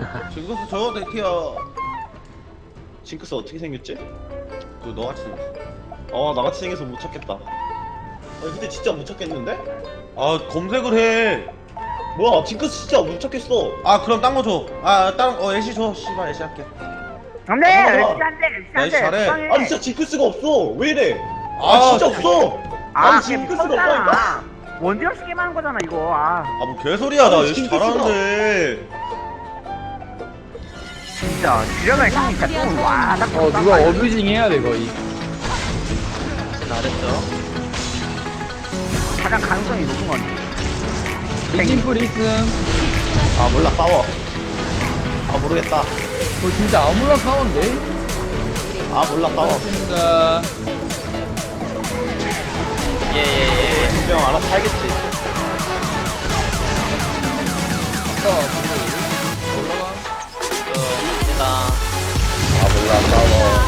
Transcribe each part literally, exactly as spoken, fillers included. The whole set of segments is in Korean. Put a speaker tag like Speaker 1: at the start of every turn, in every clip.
Speaker 1: 징크스 저거 데키야. 징크스 어떻게 생겼지? 그 너같이 생겼어. 어 나같이 생겨서 못 찾겠다. 아니 근데 진짜 못 찾겠는데? 아 검색을 해. 뭐야 징크스 진짜 못 찾겠어. 아 그럼 딴 거 줘. 아 다른 어 애쉬 줘. 씨발 애쉬 할게.
Speaker 2: 안돼
Speaker 1: 아,
Speaker 2: 안돼
Speaker 1: 나 애쉬 잘해.
Speaker 2: 안돼
Speaker 1: 아니 진짜 징크스가 없어. 왜 이래? 아, 아 진짜 없어.
Speaker 2: 아
Speaker 1: 아니 징크스가 없다니까.
Speaker 2: 원딜러스 게임 하는 거잖아 이거. 아
Speaker 1: 아뭐 개소리야. 나 애쉬 잘하는데.
Speaker 2: 진짜 지려면 형이 진짜 똥와
Speaker 3: 어 누가 어뷰징 해야 돼 거의.
Speaker 4: 잘했죠.
Speaker 2: 가장 가능성이 높은 건
Speaker 3: 링킹풀 있음.
Speaker 1: 아 몰라 싸워. 아 모르겠다.
Speaker 3: 어 진짜 아무나 싸운데?
Speaker 1: 아 몰라 싸워.
Speaker 3: 맞습니다.
Speaker 4: 예예예.
Speaker 1: 분명 알아서 살겠지.
Speaker 3: 아까 올라가.
Speaker 4: 좋습니다.
Speaker 1: 아 몰라 싸워.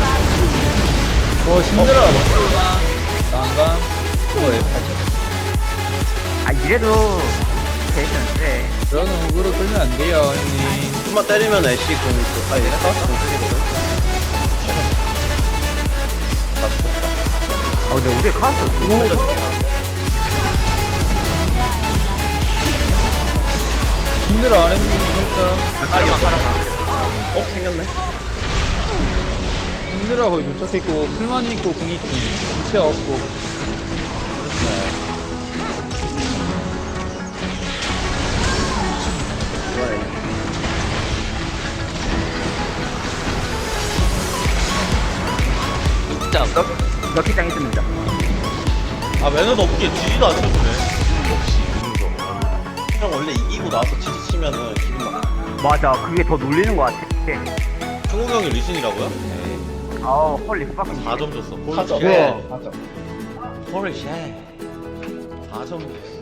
Speaker 3: 어 힘들어. 난감. 그거 왜 팔죠?
Speaker 2: 아 이래도 되는데
Speaker 3: 그런 어그로 끌면 안 돼요 형님.
Speaker 1: 좀만 때리면 애쉬 공이 또. 아 얘네 싸웠어 공쓰기거든.
Speaker 2: 어 근데 우리 카운터
Speaker 3: 힘들어 안 했는데 진짜.
Speaker 4: 가려마 가려마.
Speaker 1: 어 생겼네.
Speaker 3: 힘들어 거의 도착했고 풀만 있고 궁 있고 부채 없고.
Speaker 4: 진짜
Speaker 2: 럭키장 있습니다.
Speaker 1: 아 매너도 없게 지지도 않으셨네. 역시 이거. 형 원래 이기고 나서 지지 치면은 기분 나.
Speaker 2: 맞아 그게 더 놀리는 거 같아.
Speaker 1: 충국 형이 리신이라고요? 에이.
Speaker 2: 아우 헐리 fucking
Speaker 1: 사 점 줬어.
Speaker 3: 사 점.
Speaker 1: 네.
Speaker 3: 사 점.
Speaker 1: 홀리 쉣. 사 점.